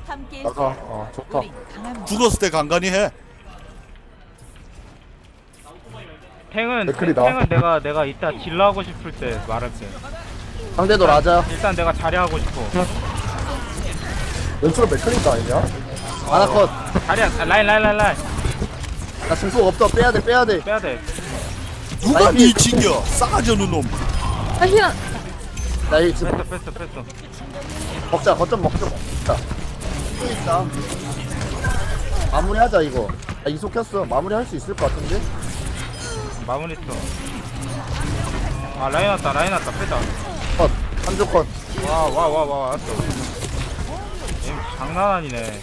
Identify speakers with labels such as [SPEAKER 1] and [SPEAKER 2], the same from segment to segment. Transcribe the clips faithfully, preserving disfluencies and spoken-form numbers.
[SPEAKER 1] 함께
[SPEAKER 2] 나가. 어 좋다.
[SPEAKER 1] 우리 강합니다.
[SPEAKER 3] 죽었을 때 간간히 해.
[SPEAKER 4] 탱은
[SPEAKER 2] 맥클이다.
[SPEAKER 4] 탱은 내가 내가 이따 딜러 하고 싶을 때 말할게.
[SPEAKER 5] 상대도 라자.
[SPEAKER 4] 일단 내가 자리 하고 싶어.
[SPEAKER 2] 왼쪽으로 맥클린다 아니냐?
[SPEAKER 5] 아나컷.
[SPEAKER 4] 자리야 아, 라인 라인 라인 라인
[SPEAKER 5] 나 증폭 없어. 빼야돼 빼야돼.
[SPEAKER 4] 빼야 돼.
[SPEAKER 3] 누가
[SPEAKER 5] 아니,
[SPEAKER 3] 니 지겨? 싸가지 없는 놈.
[SPEAKER 6] 아 희나
[SPEAKER 5] 나이 증폭
[SPEAKER 4] 뺐어 뺐어 뺐어.
[SPEAKER 5] 먹자. 거점 먹자. 먹자. 또 있다. 마무리하자 이거. 나 이속 켰어. 마무리할 수 있을 것 같은데?
[SPEAKER 4] 마무리 쳐. 아 라인 왔다 라인 왔다 빼자.
[SPEAKER 5] 컷. 한조 컷.
[SPEAKER 4] 와 와 와 와 왔어. 얘 장난 아니네.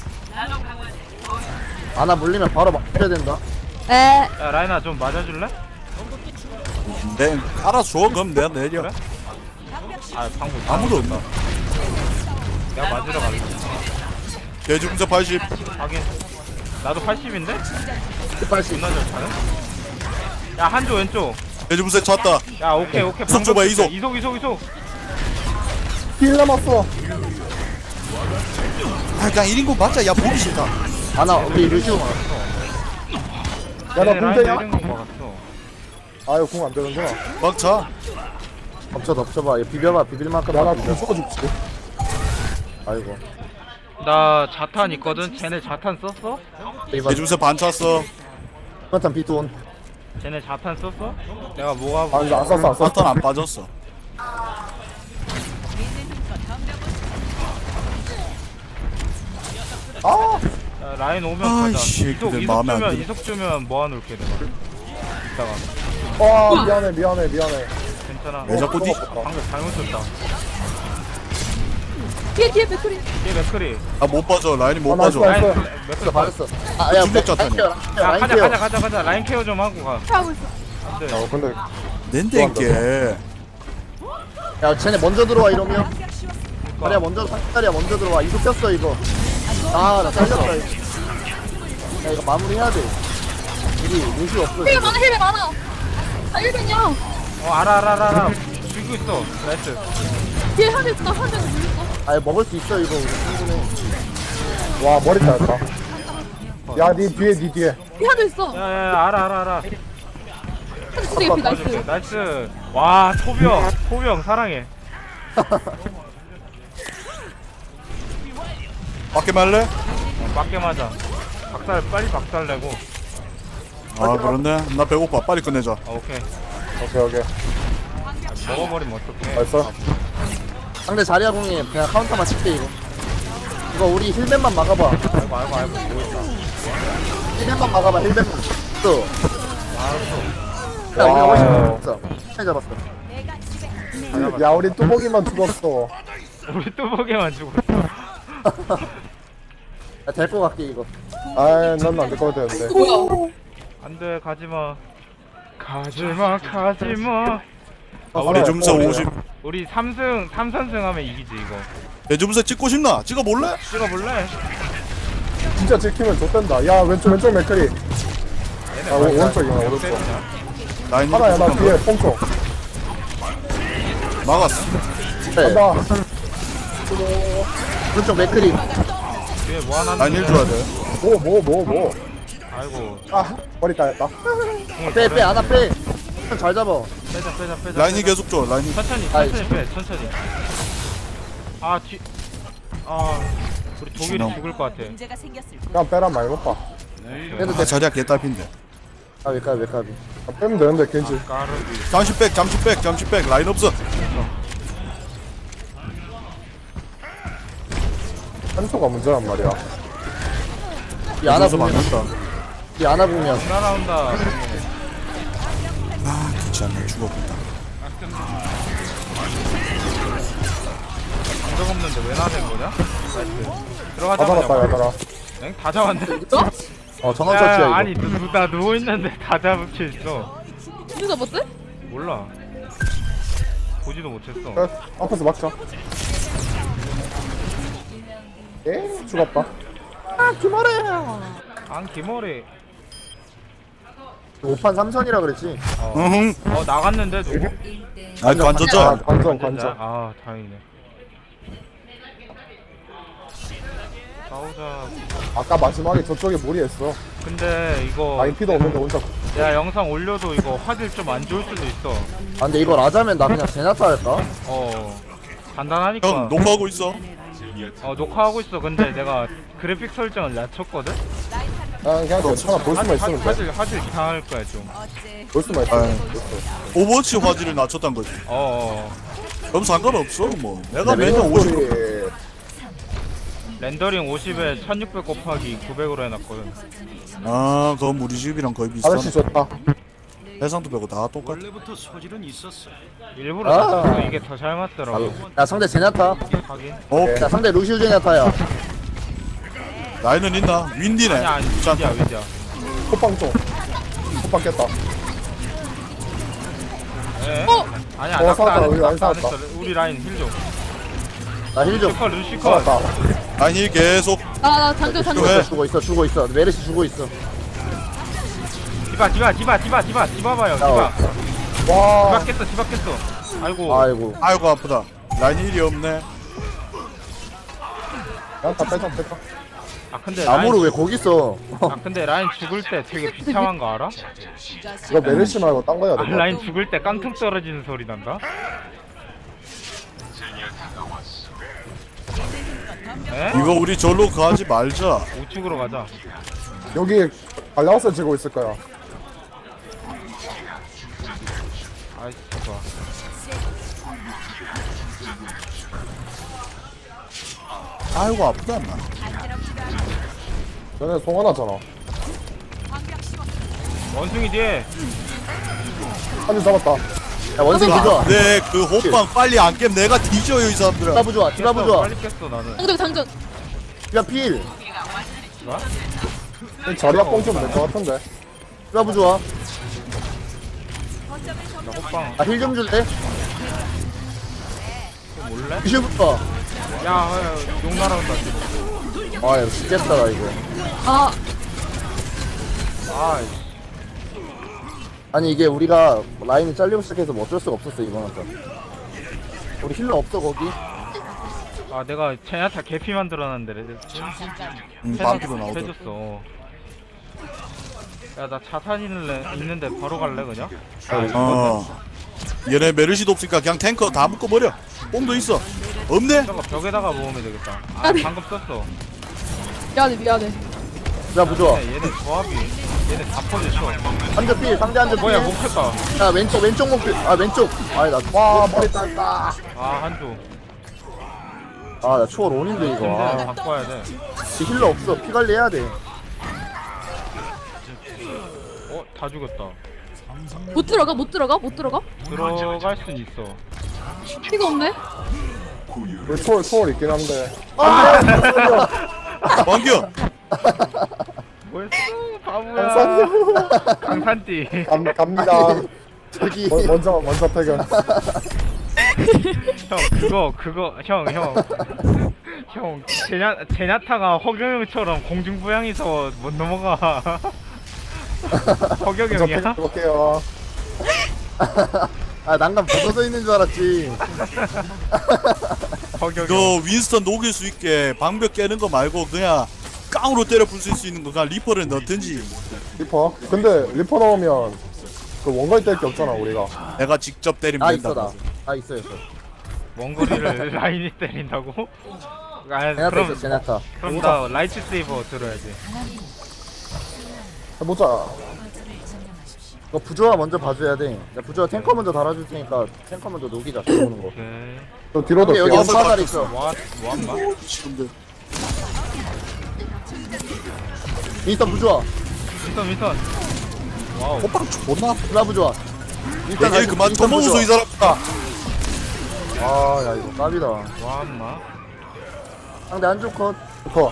[SPEAKER 5] 아나 물리면 바로 막혀야 된다.
[SPEAKER 6] 에
[SPEAKER 4] 야 라인아 좀 맞아줄래?
[SPEAKER 3] 내 알아서 그럼 내가 내려.
[SPEAKER 4] 그래? 아 방금
[SPEAKER 3] 아무도 없나?
[SPEAKER 4] 내가 맞으러 갈게.
[SPEAKER 3] 대중자 팔십.
[SPEAKER 4] 하긴 나도 팔십인데?
[SPEAKER 5] 팔십.
[SPEAKER 4] 존나 잘 차네. 야 한조 왼쪽.
[SPEAKER 3] 대중세 찼다.
[SPEAKER 4] 야 오케이 오케이.
[SPEAKER 3] 이속 줘봐,
[SPEAKER 4] 방금
[SPEAKER 3] 이속.
[SPEAKER 4] 이속 이속 이속.
[SPEAKER 2] 힐 남았어.
[SPEAKER 3] 아 그냥 일 인분 맞자. 야 보기 싫다.
[SPEAKER 5] 아나 우리 루시오.
[SPEAKER 2] 야나
[SPEAKER 4] 얘네 라인
[SPEAKER 2] 군대냐?
[SPEAKER 4] 내리는 거 막았어.
[SPEAKER 2] 아유 궁 안 되는구나.
[SPEAKER 3] 막차.
[SPEAKER 5] 덮쳐 덮쳐봐. 얘 비벼봐. 비빌만큼.
[SPEAKER 2] 야나
[SPEAKER 5] 비벼.
[SPEAKER 2] 궁 쏘아줄지.
[SPEAKER 5] 아이고.
[SPEAKER 4] 나 자탄 있거든. 쟤네 자탄 썼어?
[SPEAKER 5] 이번
[SPEAKER 3] 대중세 반 찼어.
[SPEAKER 5] 이번 비트온.
[SPEAKER 4] 쟤네 자탄 썼어? 내가 뭐가
[SPEAKER 2] 아니 안 쐈어 안 쐈어.
[SPEAKER 3] 사탄 안 빠졌어.
[SPEAKER 2] 아
[SPEAKER 4] 야, 라인 오면
[SPEAKER 3] 아이,
[SPEAKER 4] 가자.
[SPEAKER 3] 씨,
[SPEAKER 4] 이속
[SPEAKER 3] 근데
[SPEAKER 4] 이속
[SPEAKER 3] 마음에 안
[SPEAKER 4] 주면
[SPEAKER 3] 들어.
[SPEAKER 4] 이속 주면 모아놓을게 내가. 이따가
[SPEAKER 2] 와 미안해 미안해 미안해.
[SPEAKER 4] 괜찮아.
[SPEAKER 3] 왜 자꾸 니?
[SPEAKER 4] 방금 잘못 썼다.
[SPEAKER 6] 뒤에 뒤에 맥크리
[SPEAKER 4] 얘 맥크리.
[SPEAKER 3] 아못 빠져. 라인이 못
[SPEAKER 2] 아, 나이스,
[SPEAKER 3] 빠져.
[SPEAKER 2] 나이스.
[SPEAKER 4] 라인
[SPEAKER 5] 어
[SPEAKER 4] 맥크리
[SPEAKER 5] 받았어. 아야
[SPEAKER 3] 중독 자탄이야.
[SPEAKER 4] 야
[SPEAKER 5] 라인
[SPEAKER 4] 가자
[SPEAKER 5] 케어.
[SPEAKER 4] 가자 가자 가자. 라인 케어 좀 하고 가.
[SPEAKER 6] 하고 있어.
[SPEAKER 4] 안돼.
[SPEAKER 2] 어 근데
[SPEAKER 3] 낸댕게.
[SPEAKER 5] 야 쟤네 먼저 들어와 이러면. 자리야 먼저 자리야 먼저 들어와. 이속 켰어 이거. 아나 잘렸다 이거. 야 이거 마무리해야 돼. 우리 루시 없어.
[SPEAKER 6] 힐 많아 힐 많아. 아 일벤이야.
[SPEAKER 4] 어 알아 알아 알아 알아. 들고 있어. 나이스.
[SPEAKER 6] 뒤에 한대 있어 한대 물렸어.
[SPEAKER 5] 아 먹을 수 있어 이거. 충분해.
[SPEAKER 2] 와 머리 따였다. 야니 뒤에 니 뒤에.
[SPEAKER 6] 뒤에 한대 있어.
[SPEAKER 4] 야야야 알아 알아 알아.
[SPEAKER 6] 한대 진짜 예피
[SPEAKER 4] 나이스.
[SPEAKER 6] 나이스.
[SPEAKER 4] 나이스. 와 토병 토병 사랑해.
[SPEAKER 3] 밖에 말래?
[SPEAKER 4] 어, 맞게 맞아. 박살 빨리 박살 내고.
[SPEAKER 3] 아 그런데 나 배고파. 빨리 끝내자.
[SPEAKER 4] 아, 오케이.
[SPEAKER 2] 오케이 오케이.
[SPEAKER 4] 먹어버리면 어떡해.
[SPEAKER 2] 나이스.
[SPEAKER 5] 상대 자리야 공이 그냥 카운터만 칠게 이거. 이거 우리 힐맨만 막아봐.
[SPEAKER 4] 아이고 아이고 아이고 뭐 있다.
[SPEAKER 5] 힐맨만 막아봐 힐맨만. 또. 야 우리가
[SPEAKER 2] 와우.
[SPEAKER 5] 훨씬 잘했어. 잘 잡았어.
[SPEAKER 2] 야 우리 뚜벅이만 죽었어.
[SPEAKER 4] 우리 뚜벅이만 죽었어.
[SPEAKER 5] 야 데리고 갈게 이거.
[SPEAKER 2] 아이 난 안 될 것 같았는데.
[SPEAKER 6] 뭐야?
[SPEAKER 4] 안돼 가지마. 가지마 가지마. 아, 우리
[SPEAKER 3] 대중세 오십.
[SPEAKER 4] 우리 삼승 삼선승 하면 이기지 이거.
[SPEAKER 3] 대중세 찍고 싶나? 찍어 볼래?
[SPEAKER 4] 찍어볼래?
[SPEAKER 2] 진짜 지키면 좋댄다. 야 왼쪽 왼쪽 맥크리.
[SPEAKER 4] 얘네
[SPEAKER 2] 아 오- 오른쪽이야 오른쪽.
[SPEAKER 4] 때리냐?
[SPEAKER 3] 라인
[SPEAKER 2] 하나야 나 뒤에 뽕총.
[SPEAKER 3] 막았어.
[SPEAKER 5] 네.
[SPEAKER 2] 간다.
[SPEAKER 5] 오른쪽 맥크리.
[SPEAKER 4] 뒤에 뭐 하나
[SPEAKER 3] 라인 일 줘야 돼.
[SPEAKER 2] 뭐 뭐 뭐 뭐.
[SPEAKER 4] 아이고.
[SPEAKER 2] 아 머리 따였다.
[SPEAKER 5] 빼 빼 안아 빼. 잘 잡아.
[SPEAKER 4] 빼자 빼자 빼자.
[SPEAKER 3] 라인이
[SPEAKER 4] 빼자.
[SPEAKER 3] 계속 줘. 라인이.
[SPEAKER 4] 천천히
[SPEAKER 5] 아이,
[SPEAKER 4] 천천히 빼 천천히. 아 뒤. 아 우리 독일이
[SPEAKER 3] 지나고.
[SPEAKER 4] 죽을 것 같아.
[SPEAKER 1] 문제가 생겼을
[SPEAKER 2] 그냥 빼란 말 못 봐.
[SPEAKER 5] 그래도
[SPEAKER 3] 아 자리야 개딸핀데.
[SPEAKER 5] 까비 까비 까비.
[SPEAKER 2] 아, 빼면 되는데 괜지.
[SPEAKER 4] 까르비.
[SPEAKER 3] 잠시 백 잠시 백 잠시 백 라인 없어.
[SPEAKER 2] 한소가 문제란 말이야.
[SPEAKER 5] 이 안아
[SPEAKER 3] 대중세
[SPEAKER 5] 보면
[SPEAKER 3] 맞는다.
[SPEAKER 5] 이 안아 보면
[SPEAKER 4] 날아온다.
[SPEAKER 3] 아 귀찮네. 죽어본다.
[SPEAKER 4] 감정 없는데 왜 나댄 거냐? 나이스.
[SPEAKER 2] 다
[SPEAKER 4] 들어가자.
[SPEAKER 2] 잡았다 야들아.
[SPEAKER 4] 엥? 다 잡았네.
[SPEAKER 5] 어 정원
[SPEAKER 4] 야,
[SPEAKER 5] 처치야 이거.
[SPEAKER 4] 아니 누, 나 누워 있는데 다 잡혀 있어.
[SPEAKER 6] 누가 못해?
[SPEAKER 4] 몰라. 보지도 못했어.
[SPEAKER 2] 그래, 앞에서 막자. 에 죽었다.
[SPEAKER 4] 안 기머리.
[SPEAKER 5] 오 판 삼 선이라 그랬지.
[SPEAKER 4] 어.
[SPEAKER 3] 으흥.
[SPEAKER 4] 어 나갔는데 누구?
[SPEAKER 3] 아 관전자.
[SPEAKER 2] 관전 관전.
[SPEAKER 4] 아 다행이네. 싸우자.
[SPEAKER 2] 아까 마지막에 저쪽에 무리했어.
[SPEAKER 4] 근데 이거
[SPEAKER 2] 라인 피도 없는데 혼자.
[SPEAKER 4] 내가 영상 올려도 이거 화질 좀 안 좋을 수도 있어.
[SPEAKER 5] 아 근데 이걸 하자면 나 그냥 제나타 할까?
[SPEAKER 4] 어 간단하니까.
[SPEAKER 3] 형 녹화하고 있어.
[SPEAKER 4] 어 녹화하고 있어. 근데 내가 그래픽 설정을 낮췄거든.
[SPEAKER 2] 난 그냥 괜찮아. 볼 수만 있으면 돼.
[SPEAKER 4] 화질 화질 이상할 거야 좀.
[SPEAKER 2] 볼 수만 있으면 돼.
[SPEAKER 3] 오버워치 화질을 낮췄단 거지.
[SPEAKER 4] 어, 어.
[SPEAKER 3] 그럼 상관없어 뭐. 내가
[SPEAKER 2] 네,
[SPEAKER 3] 매년 오십.
[SPEAKER 2] 소리.
[SPEAKER 4] 렌더링 오십에 천육백 곱하기 구백으로 해놨거든.
[SPEAKER 3] 아 그건 우리 집이랑 거의
[SPEAKER 2] 아저씨
[SPEAKER 3] 비슷하네.
[SPEAKER 2] 좋다.
[SPEAKER 3] 해상도 빼고 다 똑같아.
[SPEAKER 4] 일부러
[SPEAKER 5] 아.
[SPEAKER 4] 낮췄어. 이게 더 잘 맞더라고.
[SPEAKER 5] 야 상대 제나타.
[SPEAKER 4] 하긴.
[SPEAKER 3] 어
[SPEAKER 5] 야 상대 루시우 제나타야.
[SPEAKER 3] 라인은 있나? 윈디네.
[SPEAKER 4] 아니야 아니 윈디야 윈디야.
[SPEAKER 2] 호빵 좀. 호빵 깼다.
[SPEAKER 4] 예?
[SPEAKER 6] 어?
[SPEAKER 4] 아니야
[SPEAKER 2] 어,
[SPEAKER 4] 낙사
[SPEAKER 2] 살았다.
[SPEAKER 4] 안
[SPEAKER 2] 우리
[SPEAKER 4] 했어.
[SPEAKER 2] 라인
[SPEAKER 4] 낙사 안
[SPEAKER 2] 살았다.
[SPEAKER 4] 했어. 우리 라인 힐 좀.
[SPEAKER 5] 나 힐 좀.
[SPEAKER 4] 루시컷 루시컷.
[SPEAKER 2] 살았다.
[SPEAKER 3] 라인 힐 계속.
[SPEAKER 6] 나나 장전 장전.
[SPEAKER 3] 왜?
[SPEAKER 5] 주고 있어 주고 있어. 메르시 주고 있어.
[SPEAKER 4] 디바 디바 디바 디바 디바 디바 봐요. 디바.
[SPEAKER 5] 어.
[SPEAKER 4] 디바
[SPEAKER 2] 와.
[SPEAKER 4] 깼어 디바 깼어. 아이고.
[SPEAKER 5] 아이고.
[SPEAKER 3] 아이고 아프다. 라인 힐이 없네.
[SPEAKER 2] 그냥 다 빼자 빼자.
[SPEAKER 4] 아 근데
[SPEAKER 5] 나무를
[SPEAKER 4] 라인
[SPEAKER 5] 왜 거기 있어?
[SPEAKER 4] 아 근데 라인 죽을 때 되게 비참한 거 알아?
[SPEAKER 2] 이거 메르시 말고 딴 거 해야
[SPEAKER 4] 아,
[SPEAKER 2] 돼.
[SPEAKER 4] 라인 죽을 때 깡통 떨어지는 소리 난다. 에?
[SPEAKER 3] 이거 우리 절로 가지 말자.
[SPEAKER 4] 우측으로 가자.
[SPEAKER 2] 여기 발라우스 지고 있을 거야.
[SPEAKER 4] 아이씨 좋아.
[SPEAKER 3] 아이고 아프다 인마.
[SPEAKER 2] 너네 송환하잖아.
[SPEAKER 4] 원숭이 뒤에.
[SPEAKER 2] 한줄 잡았다.
[SPEAKER 5] 야 원숭이 부좋아.
[SPEAKER 3] 네, 그 호빵 빨리 안 깨면 내가 뒤져요 이 사람들아.
[SPEAKER 5] 디바 부좋아. 디바
[SPEAKER 4] 깼어,
[SPEAKER 5] 부좋아.
[SPEAKER 4] 빨리 깼어 나는.
[SPEAKER 6] 장전 장전.
[SPEAKER 5] 디바 필.
[SPEAKER 2] 이 자리야 뽕좀 될 것 같은데.
[SPEAKER 5] 디바 부좋아.
[SPEAKER 4] 나 호빵.
[SPEAKER 5] 아 힐 좀 줄래?
[SPEAKER 4] 이거 몰래?
[SPEAKER 5] 루시우부터.
[SPEAKER 4] 야, 야, 욕 날아온다 지금.
[SPEAKER 5] 아 이거 진짜 나 이거.
[SPEAKER 6] 아
[SPEAKER 4] 아,
[SPEAKER 5] 아니 이게 우리가 라인이 잘리고 시작해서 뭐 어쩔 수가 없었어 이번한테. 우리 힐러 없어 거기?
[SPEAKER 4] 아 내가 제냐타 개피 만들어놨는데
[SPEAKER 3] 음, 반피로 나오더라.
[SPEAKER 4] 해줬어. 야 나 자탄 있는데, 있는데 바로 갈래 그냥?
[SPEAKER 3] 어. 얘네 메르시도 없으니까 그냥 탱커 다 묶어버려. 뽕도 있어. 없네?
[SPEAKER 4] 저거 벽에다가 모으면 되겠다. 아
[SPEAKER 6] 아니.
[SPEAKER 4] 방금 썼어.
[SPEAKER 6] 미안해 미안해.
[SPEAKER 5] 디바 부좋아.
[SPEAKER 4] 얘네, 얘네 조합이 얘네 다 퍼졌어.
[SPEAKER 5] 한대 필. 상대 한대 필.
[SPEAKER 4] 뭐야 못 켰다.
[SPEAKER 5] 야 왼쪽 왼쪽 목필. 아 왼쪽. 아니 나.
[SPEAKER 2] 와 머리 짧다.
[SPEAKER 4] 아 한조.
[SPEAKER 5] 아나 초월 온인데 이거.
[SPEAKER 4] 근데
[SPEAKER 5] 아,
[SPEAKER 4] 바꿔야 돼.
[SPEAKER 5] 힐러 없어. 피 관리 해야 돼.
[SPEAKER 4] 어? 다 죽였다.
[SPEAKER 6] 못 들어가 못 들어가 못 들어가.
[SPEAKER 4] 들어갈 순 있어.
[SPEAKER 6] 피가 없네.
[SPEAKER 2] 우리 초월 초월 있긴 한데.
[SPEAKER 3] 왕규!
[SPEAKER 4] 뭐였어? 바보야. 강산띠.
[SPEAKER 2] 감, 갑니다.
[SPEAKER 5] 저기.
[SPEAKER 2] 뭐, 먼저 먼저 퇴근.
[SPEAKER 4] 형 그거 그거 형 형. 형 제냐 제냐타가 허경영처럼 공중부양해서 못 넘어가.
[SPEAKER 2] 먼저
[SPEAKER 4] 허경영이야?
[SPEAKER 2] 퇴근해볼게요.
[SPEAKER 5] 아 난간 벗어져 있는 줄 알았지.
[SPEAKER 4] 허경영.
[SPEAKER 3] 너 윈스턴 녹일 수 있게 방벽 깨는 거 말고 그냥 깡으로 때려 부술 수 있는 거 그냥 리퍼를 넣든지.
[SPEAKER 2] 리퍼. 근데 리퍼 넣으면 그 원거리 뗄 게 없잖아 우리가.
[SPEAKER 3] 내가 직접 때리면
[SPEAKER 5] 나
[SPEAKER 3] 된다.
[SPEAKER 5] 있어 나. 나 있어 있어.
[SPEAKER 4] 원거리를 라인이 때린다고? 아
[SPEAKER 5] 제나타
[SPEAKER 4] 그럼
[SPEAKER 5] 있어 제나타.
[SPEAKER 4] 그럼 나 라이트 세이버 들어야지.
[SPEAKER 2] 해보자.
[SPEAKER 5] 이거 부조화 먼저 봐줘야 돼. 나 부조화 탱커 먼저 달아줄 테니까 탱커 먼저 녹이자. 들어오는 거.
[SPEAKER 4] 오케이.
[SPEAKER 2] 또 뒤로도
[SPEAKER 5] 여기 여기
[SPEAKER 2] 뛰어.
[SPEAKER 5] 연파 잘 있어.
[SPEAKER 4] 와 뭐한마?
[SPEAKER 3] 지금들.
[SPEAKER 5] 일단 부조화.
[SPEAKER 4] 미선 미선. 와우.
[SPEAKER 3] 호빵 존나 아파.
[SPEAKER 5] 디바 부조화. 일단
[SPEAKER 3] 얘
[SPEAKER 5] 가지고
[SPEAKER 3] 그만
[SPEAKER 5] 일단
[SPEAKER 3] 처먹어서
[SPEAKER 5] 부조화.
[SPEAKER 3] 이 사람아.
[SPEAKER 5] 아야 이거 깝이다.
[SPEAKER 4] 와마.
[SPEAKER 5] 상대 한쪽 컷.
[SPEAKER 2] 리퍼.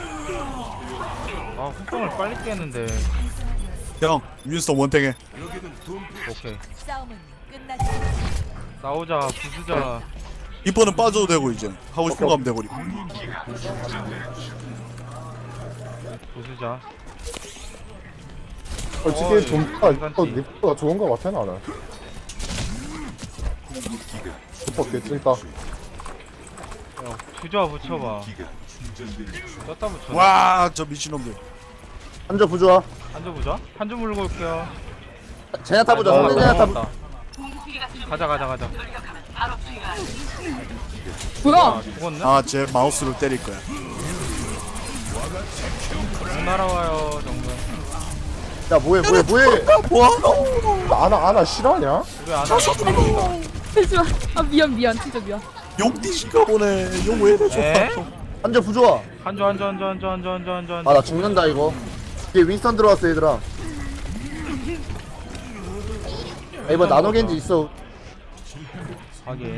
[SPEAKER 4] 아 후평을 빨리 깨는데.
[SPEAKER 3] 형 윈스턴 원탱해.
[SPEAKER 4] 오케이.
[SPEAKER 1] 싸움은 끝나지
[SPEAKER 4] 싸우자 부수자.
[SPEAKER 3] 리퍼는 빠져도 되고 이제 하고 싶은 거 하면 되고.
[SPEAKER 4] 부수자.
[SPEAKER 2] 솔직히
[SPEAKER 4] 어이,
[SPEAKER 2] 좀더
[SPEAKER 4] 괜찮지.
[SPEAKER 2] 리퍼가 좋은 거 같아 나는. 리퍼 개찐다.
[SPEAKER 4] 야 부조화 붙여봐. 떴다 붙여.
[SPEAKER 3] 와 저 미친놈들.
[SPEAKER 5] 한조 부조화.
[SPEAKER 4] 한조 부조화? 한조 물고 올게요.
[SPEAKER 5] 제냐타 부조화.
[SPEAKER 4] 아,
[SPEAKER 5] 상대 제냐타 부조화.
[SPEAKER 4] 넘어갔다. 가자 가자 가자.
[SPEAKER 6] 뭐야?
[SPEAKER 4] 아 죽었네?
[SPEAKER 3] 아제 마우스로 때릴 거야.
[SPEAKER 4] 공 날아와요 정면.
[SPEAKER 5] 야 뭐해 뭐해 뭐해.
[SPEAKER 3] 뭐야?
[SPEAKER 2] 아나 아나 싫어하냐?
[SPEAKER 4] 우리 안 하자.
[SPEAKER 6] 잠시만. 아 미안 미안 진짜 미안.
[SPEAKER 3] 용띠신가 보네. 용왜 이래
[SPEAKER 4] 에?
[SPEAKER 3] 저.
[SPEAKER 5] 한조 부조화.
[SPEAKER 4] 한조 한조 한조 한조 한조 한조 한조
[SPEAKER 5] 아
[SPEAKER 4] 한조.
[SPEAKER 5] 나 죽는다 이거. 뒤에 윈스턴 들어왔어 얘들아. 야, 이번 나노겐지 있어.
[SPEAKER 4] 확인.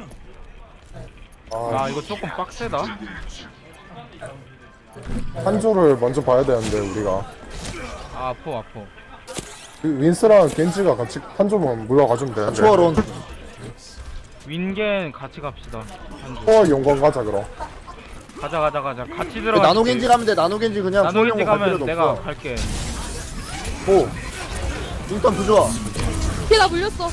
[SPEAKER 2] 아
[SPEAKER 4] 아 이거 조금 빡세다.
[SPEAKER 2] 한조를 먼저 봐야 되는데 우리가
[SPEAKER 4] 아 아프 아프.
[SPEAKER 2] 그 윈스랑 겐지가 같이 한조만 물러가주면 되는데.
[SPEAKER 5] 초월온.
[SPEAKER 4] 윈겐 같이 갑시다. 한조.
[SPEAKER 2] 초월 용건 가자 그럼.
[SPEAKER 4] 가자 가자 가자. 같이 들어가.
[SPEAKER 5] 나노겐지 가면 돼. 나노겐지 그냥
[SPEAKER 4] 나노겐지
[SPEAKER 5] 초월용 갈
[SPEAKER 4] 가면
[SPEAKER 5] 필요도
[SPEAKER 4] 내가
[SPEAKER 5] 없어.
[SPEAKER 4] 갈게.
[SPEAKER 5] 오. 윈스턴 부조화.
[SPEAKER 6] 걔나 물렸어.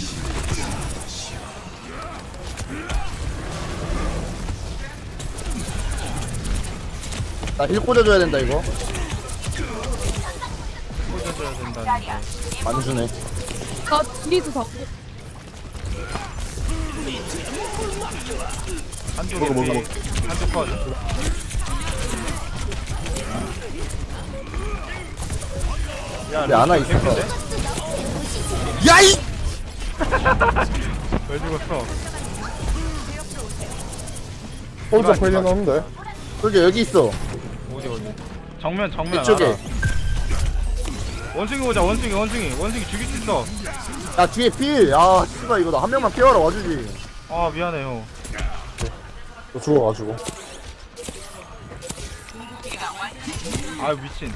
[SPEAKER 5] 나 힐 꽂아줘야 된다 이거.
[SPEAKER 4] 꽂아줘야 된다는데.
[SPEAKER 5] 안 주네.
[SPEAKER 6] 나 뒤에서 잡고.
[SPEAKER 4] 한조
[SPEAKER 3] 먹어, 먹어,
[SPEAKER 4] 개피. 한조 컷. 야,
[SPEAKER 5] 근데 안와
[SPEAKER 4] 루시오
[SPEAKER 5] 있어.
[SPEAKER 4] 개피인데?
[SPEAKER 3] 야이.
[SPEAKER 4] 왜 죽었어?
[SPEAKER 2] 홀저 풀려놓는데.
[SPEAKER 5] 솔직히 여기 있어.
[SPEAKER 4] 어디 어디? 정면 정면
[SPEAKER 5] 이쪽에.
[SPEAKER 4] 알아. 원숭이 오자 원숭이 원숭이 원숭이 죽일 수 있어.
[SPEAKER 5] 야 뒤에 필. 아 씨발 이거 나 한 명만 피하러 와주지.
[SPEAKER 4] 아 미안해 형.
[SPEAKER 2] 또 죽어가지고.
[SPEAKER 4] 아 미친.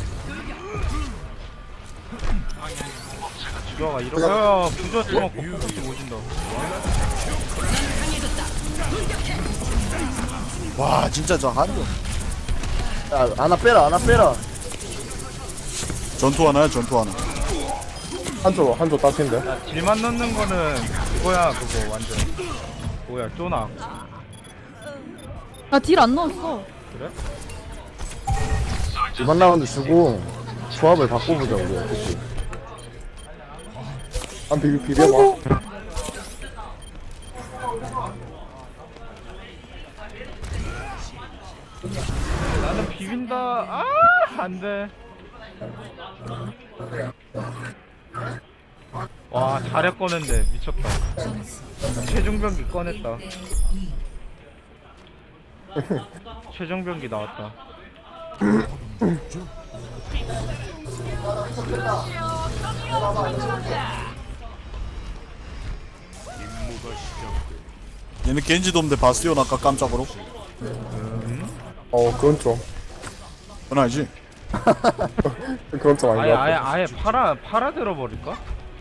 [SPEAKER 4] 죽여가 이러고. 야 부조 주먹 거꾸로 오진다.
[SPEAKER 3] 와 진짜 저 한조.
[SPEAKER 5] 야 하나 빼라 하나 빼라.
[SPEAKER 3] 전투 하나야 전투 하나.
[SPEAKER 2] 한조 한조 따핀데.
[SPEAKER 4] 야 딜만 넣는 거는 그거야 그거 완전. 뭐야 쪼나.
[SPEAKER 6] 나 딜 안 넣었어.
[SPEAKER 4] 그래?
[SPEAKER 5] 이번 라운드 주고 조합을 바꿔보자 우리. 그치?
[SPEAKER 2] 한 비비 비벼봐.
[SPEAKER 4] 나는 비빈다. 아 안돼. 와 잘해 꺼낸데 미쳤다. 최종병기 꺼냈다. 최종병기 나왔다.
[SPEAKER 3] 얘는 겐지도 없는데 바스티온 아까 깜짝으로.
[SPEAKER 2] 어 그건 좀.
[SPEAKER 3] 그건 알지?
[SPEAKER 2] 그건 좀 아닌
[SPEAKER 4] 아예
[SPEAKER 2] 것
[SPEAKER 4] 아예
[SPEAKER 2] 같아.
[SPEAKER 4] 아예 팔아 팔아 들어버릴까?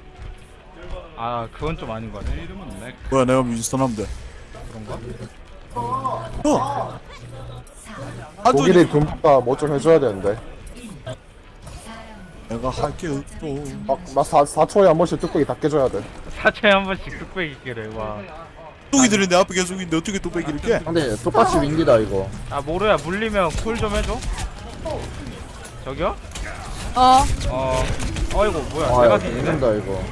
[SPEAKER 4] 아 그건 좀 아닌 거 같아.
[SPEAKER 3] 뭐야 내가 윈스턴 하면 돼.
[SPEAKER 4] 그런가?
[SPEAKER 3] 어. 한조
[SPEAKER 2] 독일이 금가 뭐 좀 해줘야 되는데.
[SPEAKER 3] 내가 할 게 없어.
[SPEAKER 2] 막막 사 초에 한 번씩 뚝배기 다 깨줘야 돼.
[SPEAKER 4] 사초에 한 번씩 뚝배기 끼래 와.
[SPEAKER 3] 뚝배기들이 내 앞에 계속 있는데 어떻게 뚝배기를 깨?
[SPEAKER 5] 근데 똑같이 윈디다 이거.
[SPEAKER 4] 아 모르야 물리면 콜 좀 해줘. 저기요?
[SPEAKER 6] 아
[SPEAKER 4] 어. 어이구 뭐야
[SPEAKER 5] 아
[SPEAKER 4] 내가
[SPEAKER 5] 야
[SPEAKER 4] 뒤지네.
[SPEAKER 5] 죽는다 이거.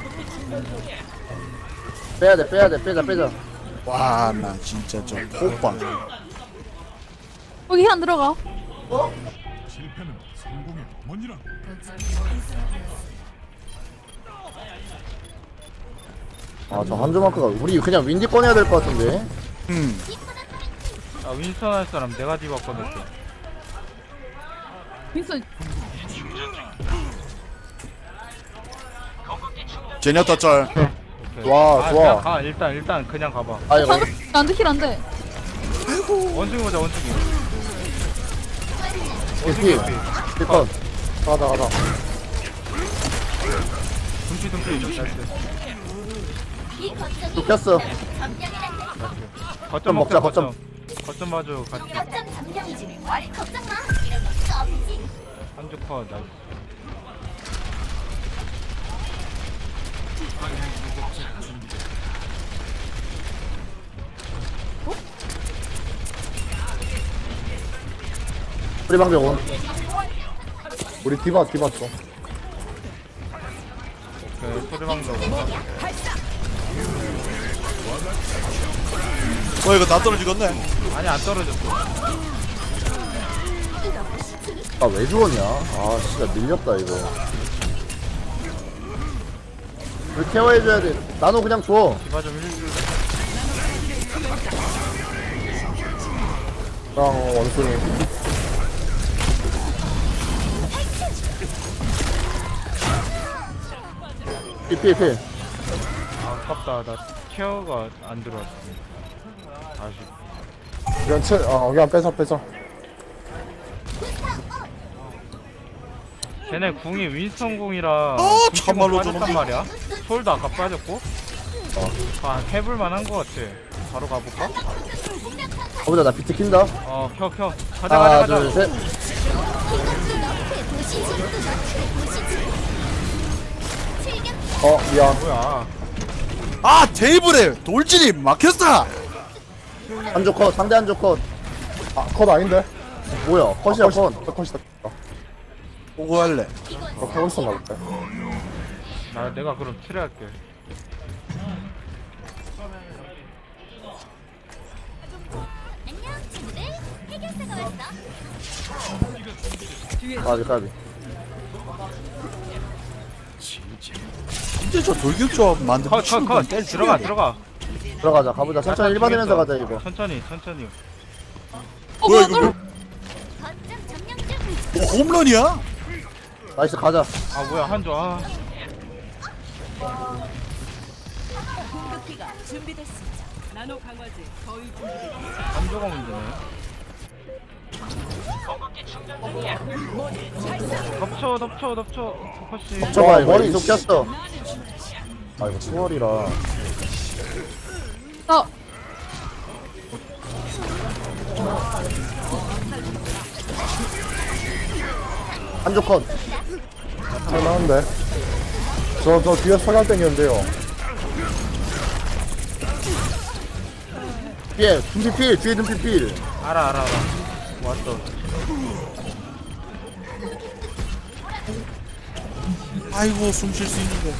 [SPEAKER 5] 빼야돼 빼야돼 빼자 빼자.
[SPEAKER 3] 와 나 진짜 저 호빵.
[SPEAKER 6] 거기 힐 안 들어가.
[SPEAKER 5] 아 저 한조마크가 우리 그냥 윈디 꺼내야 될 것 같은데.
[SPEAKER 3] 음.
[SPEAKER 4] 아 윈스턴 할 사람 내가 디바 꺼냈어.
[SPEAKER 6] 윈슨
[SPEAKER 3] 제냐타 짤.
[SPEAKER 4] 오케이.
[SPEAKER 2] 와,
[SPEAKER 4] 아,
[SPEAKER 2] 좋아.
[SPEAKER 4] 그냥 가 일단 일단 그냥 가봐.
[SPEAKER 5] 아 이거
[SPEAKER 6] 방금 안돼 힐 안돼.
[SPEAKER 4] 원숭이 보자 원숭이.
[SPEAKER 5] 개피. 필컷.
[SPEAKER 2] 가자 가자.
[SPEAKER 4] 둠피 둠피. 나이스.
[SPEAKER 5] 눕혔어.
[SPEAKER 4] 거점
[SPEAKER 5] 먹자,
[SPEAKER 4] 먹자
[SPEAKER 5] 거점.
[SPEAKER 4] 거점. 거점 봐줘 같이. 한주 컷 나이스.
[SPEAKER 5] 우리 방벽 온.
[SPEAKER 2] 우리 디바 디바 좀.
[SPEAKER 4] 그 소리방도
[SPEAKER 3] 어 이거 다 떨어지겠네.
[SPEAKER 4] 아니 안 떨어졌어.
[SPEAKER 5] 아 왜 죽었냐? 아 진짜 밀렸다 이거. 우리 케어해줘야 돼. 나노 그냥 줘.
[SPEAKER 4] 디바 좀 힐줄.
[SPEAKER 2] 그냥 원숭이.
[SPEAKER 5] 피피피.
[SPEAKER 4] 아깝다. 나 케어가 안 들어왔어. 아쉽.
[SPEAKER 2] 그냥 채, 어 그냥 빼자 빼자.
[SPEAKER 4] 쟤네 궁이 윈스턴 궁이라
[SPEAKER 3] 아,
[SPEAKER 4] 궁
[SPEAKER 3] 참말로
[SPEAKER 4] 빠졌단
[SPEAKER 3] 저놈이.
[SPEAKER 4] 말이야. 솔도 아까 빠졌고. 아 해볼만한 거 같아. 바로 가볼까?
[SPEAKER 5] 가보자 나 비트 킨다.
[SPEAKER 4] 어 켜 켜. 가자
[SPEAKER 5] 하나
[SPEAKER 4] 가자
[SPEAKER 5] 둘
[SPEAKER 4] 가자.
[SPEAKER 5] 셋.
[SPEAKER 2] 어 미안.
[SPEAKER 4] 뭐야?
[SPEAKER 3] 아 테이블에 돌진이 막혔어.
[SPEAKER 5] 한조 컷. 상대 한조 컷.
[SPEAKER 2] 아컷 아닌데?
[SPEAKER 5] 뭐야? 컷이야 컷.
[SPEAKER 2] 컷. 컷이다.
[SPEAKER 3] 보고 할래.
[SPEAKER 2] 어 하고 있었나 보다.
[SPEAKER 4] 나 내가 그럼 트레할게.
[SPEAKER 5] 까비 까비.
[SPEAKER 3] 진짜 저 돌격조합 만든
[SPEAKER 4] 컷 컷 컷. 들어가 들어가.
[SPEAKER 5] 들어가자. 가보자. 천천히 일 받으면서 가자 이거.
[SPEAKER 4] 천천히 천천히.
[SPEAKER 6] 어
[SPEAKER 3] 뭐야
[SPEAKER 6] 뭐야
[SPEAKER 3] 이거?
[SPEAKER 6] 떨어.
[SPEAKER 3] 뭐 홈런이야?
[SPEAKER 5] 나이스 가자.
[SPEAKER 4] 아 뭐야 한조 아.
[SPEAKER 1] 공격기가 준비됐습니다. 나노 강화제 거의 준비됐습니다.
[SPEAKER 4] 한조가 문제네. 덮쳐 덮쳐 덮쳐 포커싱.
[SPEAKER 5] 쳐봐 이거.
[SPEAKER 2] 머리
[SPEAKER 5] 이속 꼈어.
[SPEAKER 2] 아 이거 수월이라.
[SPEAKER 6] 나
[SPEAKER 5] 한조 컷.
[SPEAKER 2] 할만한데. 저저 뒤에 석양 땡겼는데요.
[SPEAKER 5] 뒤에 둠피필. 뒤에 둠피필.
[SPEAKER 4] 알아 알아 알아. 왔어.
[SPEAKER 3] 아이고 숨 쉴 수 있는데.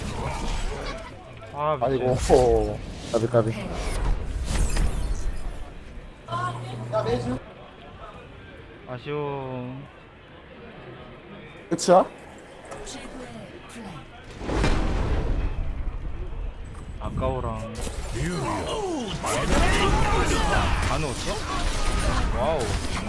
[SPEAKER 4] 아 미친.
[SPEAKER 2] 아이고. 어.
[SPEAKER 5] 까비 까비.
[SPEAKER 4] 아쉬워.
[SPEAKER 2] 끝이야?
[SPEAKER 4] 아까워랑. 안 넣었어? 와우.